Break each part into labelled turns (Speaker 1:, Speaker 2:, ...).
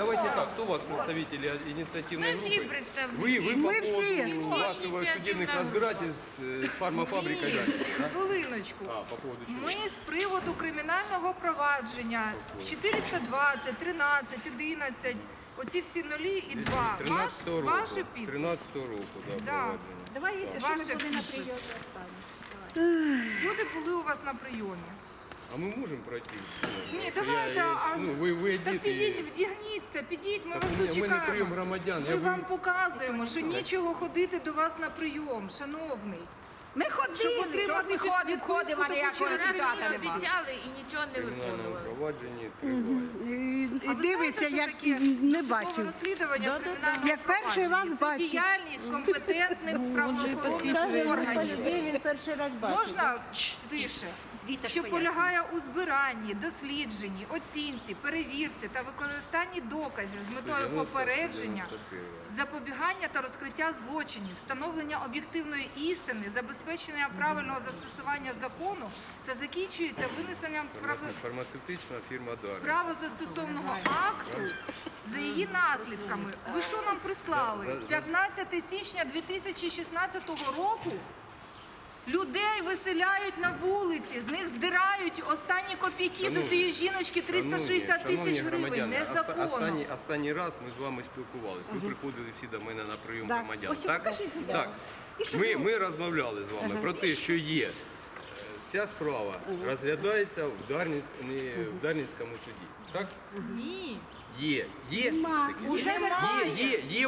Speaker 1: давайте так, кто у вас представители инициативной
Speaker 2: Мы все
Speaker 1: группы?
Speaker 2: представители.
Speaker 1: Вы по
Speaker 3: Мы все.
Speaker 1: поводу вашего судебных разбирательств с фармафабрикой Дарниця, да?
Speaker 3: Хвилиночку.
Speaker 1: По поводу чего?
Speaker 3: Ми з приводу кримінального провадження 420, 13, 11, оці всі нулі і 2.
Speaker 1: 13-го року.
Speaker 3: Ваші підписи.
Speaker 1: 13-го року, да,
Speaker 3: Да.
Speaker 1: проведення.
Speaker 4: Давай, що
Speaker 3: Ваше
Speaker 4: ми були на
Speaker 3: підпис.
Speaker 4: прийомі останні.
Speaker 3: Люди були у вас на прийомі.
Speaker 1: А мы можем пройти?
Speaker 3: Ні,
Speaker 1: Що
Speaker 3: давайте,
Speaker 1: ви
Speaker 3: та
Speaker 1: йдіть
Speaker 3: підіть,
Speaker 1: і...
Speaker 3: вдягніться, підіть, ми
Speaker 1: Так
Speaker 3: вас
Speaker 1: у мене прийом
Speaker 3: дочекаємо.
Speaker 1: громадян.
Speaker 3: Ми вам показуємо, що нічого ходити до вас на прийом, шановний.
Speaker 4: Ми
Speaker 3: Щоб
Speaker 4: ходили,
Speaker 3: отримати
Speaker 4: ходимо, а ніякого результату
Speaker 2: Раз
Speaker 4: нема.
Speaker 2: обіцяли і нічого не
Speaker 1: Кримінальному
Speaker 2: виконували.
Speaker 1: провадженні триває.
Speaker 3: А ви
Speaker 5: Дивиться,
Speaker 3: знаєте,
Speaker 5: як
Speaker 3: що таке
Speaker 5: не
Speaker 3: досудове
Speaker 5: бачив.
Speaker 3: розслідування кримінального
Speaker 5: Як перший раз
Speaker 3: провадження? Це
Speaker 5: бачив.
Speaker 3: діяльність компетентних правоохоронних органів.
Speaker 6: Він перший раз бачив.
Speaker 3: Можна тише? Що полягає у збиранні, дослідженні, оцінці, перевірці та використанні доказів з метою
Speaker 1: 90,
Speaker 3: попередження,
Speaker 1: 91.
Speaker 3: запобігання та розкриття злочинів, встановлення об'єктивної істини, забезпечення правильного застосування закону та закінчується винесенням
Speaker 1: Фармацевтична фірма Дарниця.
Speaker 3: правозастосовного акту за її наслідками. Ви що нам прислали? 15 січня 2016 року людей виселяють на вулиці, з них здирають останні копійки з цієї жіночки 360 тисяч гривень. Незаконно.
Speaker 1: Останній раз ми з вами спілкувалися. Ви приходили всі до мене на прийом
Speaker 5: Да.
Speaker 1: громадян.
Speaker 4: Ось
Speaker 1: Так?
Speaker 4: покажіть заяву.
Speaker 1: Так. Ми розмовляли з вами про те, що є. Ця справа розглядається в Дарницькому суді. Так?
Speaker 3: Ні.
Speaker 1: Є.
Speaker 3: Уже немає.
Speaker 1: Є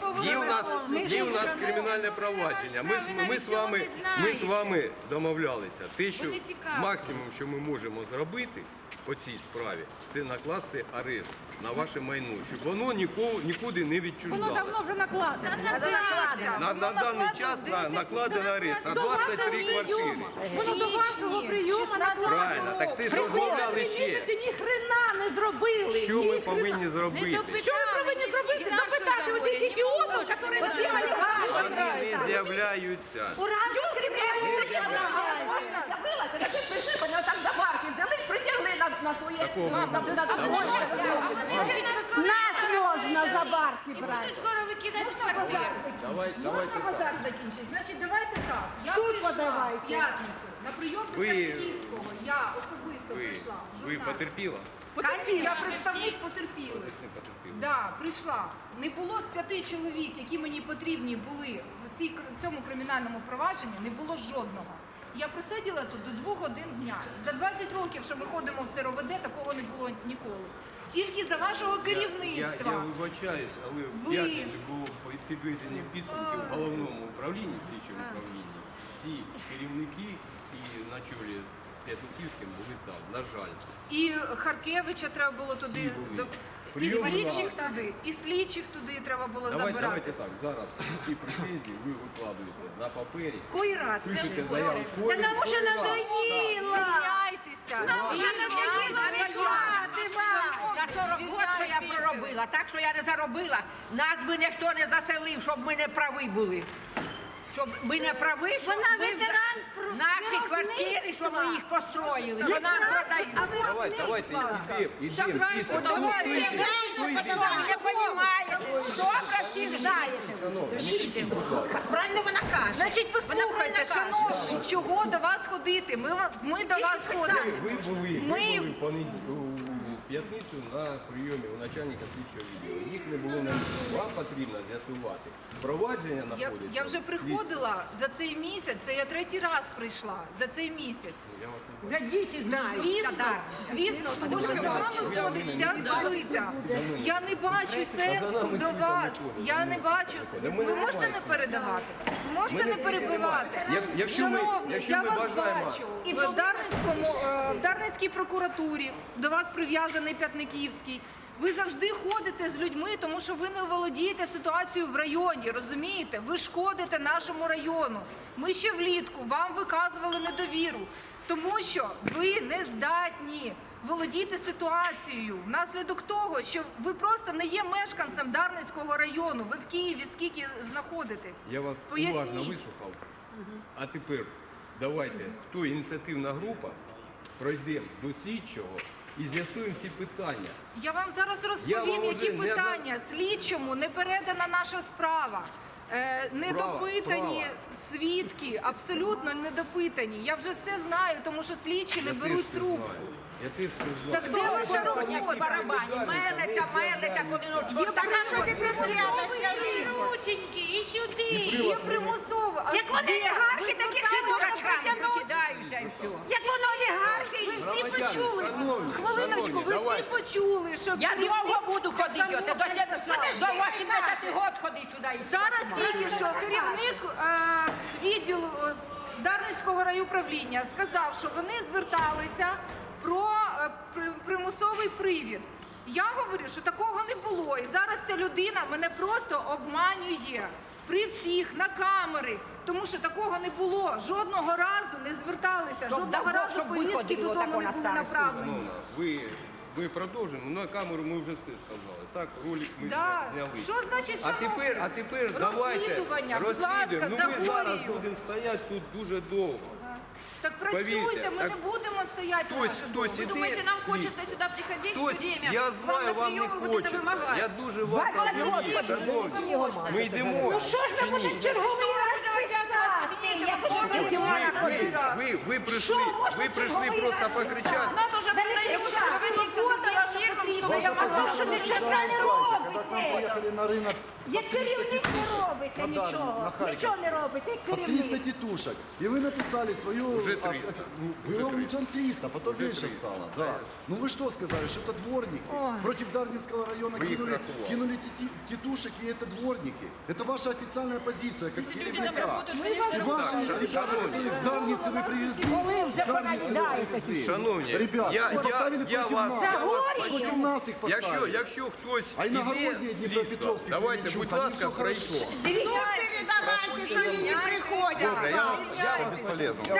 Speaker 1: у нас кримінальне провадження. Ми з вами домовлялися. Те, що
Speaker 2: Вони цікаві.
Speaker 1: максимум, що ми можемо зробити по цій справі, це накласти арешт на ваше майно, щоб воно нікуди не
Speaker 4: Воно
Speaker 1: відчуждалося.
Speaker 4: давно вже накладено.
Speaker 1: На даний час накладено арешт на 23 квартири.
Speaker 4: Воно до вашого прийому
Speaker 1: Правильно, так це ж розмовляли ще.
Speaker 4: ні хрена не зробили.
Speaker 1: Що ми повинні зробити?
Speaker 4: Що ви повинні зробити? Допитати у цих ідіотів, які оці олігархи.
Speaker 1: Вони не з'являються.
Speaker 4: Там забарки взяли, притягли на своє.
Speaker 1: Такого не буде.
Speaker 6: Нас можна за барки брати.
Speaker 2: Будуть скоро викидати з квартири.
Speaker 3: Можна базар закінчити? Значить, давайте так. Я
Speaker 6: Тут
Speaker 3: прийшла
Speaker 6: подавайте.
Speaker 3: в п'ятницю на прийом до
Speaker 1: Ви-
Speaker 3: Київського. Я особисто прийшла.
Speaker 1: Ви
Speaker 3: журналіст.
Speaker 1: потерпіла?
Speaker 3: Я представник потерпілих.
Speaker 1: Це потерпіла.
Speaker 3: Да, прийшла. Не було з 5 чоловік, які мені потрібні були в цьому кримінальному провадженні, не було жодного. Я просиділа тут до 2 годин дня. За 20 років, що ми ходимо в ЦРОВД, такого не було ніколи. Тільки за вашого
Speaker 1: Я
Speaker 3: керівництва.
Speaker 1: вибачаюсь, але в
Speaker 3: Ви-
Speaker 1: п'ятницю було підведені підсумки в головному управлінні, в слідчому управлінні. Всі керівники і на чолі з П'ятниківським були там, на жаль.
Speaker 3: І Харкевича треба було туди.
Speaker 1: були.
Speaker 3: І
Speaker 1: Прийом
Speaker 3: слідчих
Speaker 1: була.
Speaker 3: туди, і слідчих туди треба було
Speaker 1: Давайте
Speaker 3: забирати.
Speaker 1: так, зараз всі претензії ви викладуєте на папері,
Speaker 3: Кой раз?
Speaker 1: пишете заяву.
Speaker 4: Та нам уже надоїло.
Speaker 3: Звільняйтеся.
Speaker 4: Нам уже надоїло воювати,
Speaker 7: За 40 років я проробила, так що я не заробила. Нас би ніхто не заселив, щоб ми не праві були. Щоб ми не праві, щоб
Speaker 4: Вона
Speaker 7: ми
Speaker 4: ветеран
Speaker 7: наші квартири, щоб ми їх построїли, що нам продають.
Speaker 1: Давайте, ідемо.
Speaker 7: Ви не розумієте, добре всіх знаєте.
Speaker 4: Правильно вона каже.
Speaker 3: Значить, послухайте, шановні, чого до вас ходити? Ми до вас ходимо.
Speaker 1: Ви були
Speaker 3: Ми-
Speaker 1: в п'ятницю на прийомі у начальника слідчого відділу. Їх не було на місці. Вам потрібно з'ясувати. Провадження знаходиться.
Speaker 3: Я вже приходила за цей місяць, це я 3-й раз прийшла за цей місяць.
Speaker 1: Я вас не
Speaker 7: Вже діти
Speaker 3: Та
Speaker 7: знають.
Speaker 3: звісно, тому що за вами ходить вся злита. Я не бачу сенсу до вас. Я не бачу. Ви можете не передавати? Можете не перебивати?
Speaker 1: Якщо ми
Speaker 3: Шановний, я вас
Speaker 1: бажаємо-
Speaker 3: бачу. І в Дарницькій прокуратурі до вас прив'язаний П'ятниківський. Ви завжди ходите з людьми, тому що ви не володієте ситуацією в районі, розумієте? Ви шкодите нашому району. Ми ще влітку вам виказували недовіру, тому що ви не здатні володіти ситуацією внаслідок того, що ви просто не є мешканцем Дарницького району. Ви в Києві скільки знаходитесь?
Speaker 1: Я вас
Speaker 3: Поясніть.
Speaker 1: уважно вислухав. А тепер давайте, хто ініціативна група, пройдемо до слідчого і з'ясуємо всі питання.
Speaker 3: Я вам зараз
Speaker 1: Я
Speaker 3: розповім,
Speaker 1: вам
Speaker 3: які
Speaker 1: уже не
Speaker 3: питання. Слідчому не передана наша справа. Недопитані свідки, абсолютно недопитані. Я вже все знаю, тому що слідчі не
Speaker 1: Я теж
Speaker 3: беруть
Speaker 1: все
Speaker 3: трубку.
Speaker 1: знаю. Я теж все знаю.
Speaker 3: Так де ваша
Speaker 7: Сьогодні в
Speaker 3: робота?
Speaker 7: барабані, мелиться, коли
Speaker 4: Так а що тепер делать, скажіть?
Speaker 2: Рученьки, і сюди.
Speaker 3: Є примусово. А
Speaker 4: Як вони
Speaker 3: де?
Speaker 4: олігархи,
Speaker 3: Ви
Speaker 4: таких
Speaker 3: зверталися
Speaker 7: дурачками
Speaker 3: притягнути?
Speaker 7: викидаються і все.
Speaker 4: Як воно олігархи?
Speaker 3: Ви всі
Speaker 1: Громадяни,
Speaker 3: почули.
Speaker 1: шановні,
Speaker 3: Хвилиночку,
Speaker 1: шановні,
Speaker 3: ви всі
Speaker 1: давайте.
Speaker 3: почули, що
Speaker 7: Я
Speaker 3: керівник
Speaker 7: довго буду ходити,
Speaker 3: Самого
Speaker 7: до 80
Speaker 3: Кайдаша.
Speaker 7: років ходити сюди. і
Speaker 3: Зараз тільки що керівник відділу Дарницького райуправління сказав, що вони зверталися про примусовий привід. Я говорю, що такого не було. І зараз ця людина мене просто обманює при всіх на камери. Тому що такого не було. Жодного разу не зверталися,
Speaker 7: Щоб
Speaker 3: жодного
Speaker 7: давно,
Speaker 3: разу
Speaker 7: щоб
Speaker 3: повістки
Speaker 7: виходило
Speaker 3: додому
Speaker 7: тако
Speaker 3: не
Speaker 7: на
Speaker 3: були
Speaker 7: старості.
Speaker 3: направлені.
Speaker 1: Шановна, ви продовжуємо. На камеру ми вже все сказали. Так, ролик ми
Speaker 3: Да.
Speaker 1: зняли.
Speaker 3: Що значить,
Speaker 1: А тепер давайте
Speaker 3: Розслідування, будь ласка,
Speaker 1: розслідуємо.
Speaker 3: за
Speaker 1: Ну ми зараз
Speaker 3: Горію.
Speaker 1: будемо стояти тут дуже довго.
Speaker 3: Так працюйте,
Speaker 1: Повірте,
Speaker 3: ми
Speaker 1: так
Speaker 3: не будемо стояти.
Speaker 1: Хтось
Speaker 3: дуже довго.
Speaker 1: іде,
Speaker 2: Думаете, нам
Speaker 1: слід.
Speaker 2: хочется сюда приходить
Speaker 1: Хтось,
Speaker 2: все время?
Speaker 1: я знаю, вам не
Speaker 2: приемы вот это
Speaker 1: хочеться.
Speaker 2: вымогать?
Speaker 1: Я дуже вас розумію, шановні. Ми йдемо.
Speaker 4: Ну що ж
Speaker 1: чи
Speaker 4: ви
Speaker 1: ні?
Speaker 4: будете черговий раз писати? Я хочу
Speaker 1: Ви прийшли просто покричати.
Speaker 2: Надо уже
Speaker 4: А що нічого не
Speaker 5: Когда к нам
Speaker 4: робите?
Speaker 5: приехали на рынок
Speaker 4: Як керівник не робите
Speaker 5: на Дарвин,
Speaker 4: нічого.
Speaker 5: на Харьков.
Speaker 4: Нічого не робите, як
Speaker 5: по 300
Speaker 4: керівник.
Speaker 5: тетушек. И вы написали свою...
Speaker 1: Уже 300.
Speaker 5: Было уже 300, потом
Speaker 1: Уже
Speaker 5: меньше
Speaker 1: 300.
Speaker 5: стало. Да. Ну вы что сказали, что это дворники? Против Дарницкого района
Speaker 1: Вы их
Speaker 5: кинули,
Speaker 1: рахували.
Speaker 5: кинули тетушек, и это дворники. Это ваша официальная позиция, как керівника. И ваши ребята, которых с Дарницы вы привезли, с Дарницы вы привезли.
Speaker 1: Шановні,
Speaker 5: Ребят,
Speaker 1: я
Speaker 5: поставили
Speaker 1: вас
Speaker 5: против
Speaker 1: почув.
Speaker 5: нас их поставили.
Speaker 1: Якщо хтось
Speaker 5: А
Speaker 1: іде
Speaker 5: іногородні
Speaker 1: слідство,
Speaker 5: Дніпропетровські,
Speaker 1: давайте,
Speaker 5: Кременчук,
Speaker 1: будь
Speaker 5: вони
Speaker 1: ласка,
Speaker 5: все
Speaker 1: пройшло.
Speaker 5: хорошо.
Speaker 4: Дивіться, передавайте, що вони не приходять.
Speaker 1: Добре, я вас
Speaker 5: Бесполезно.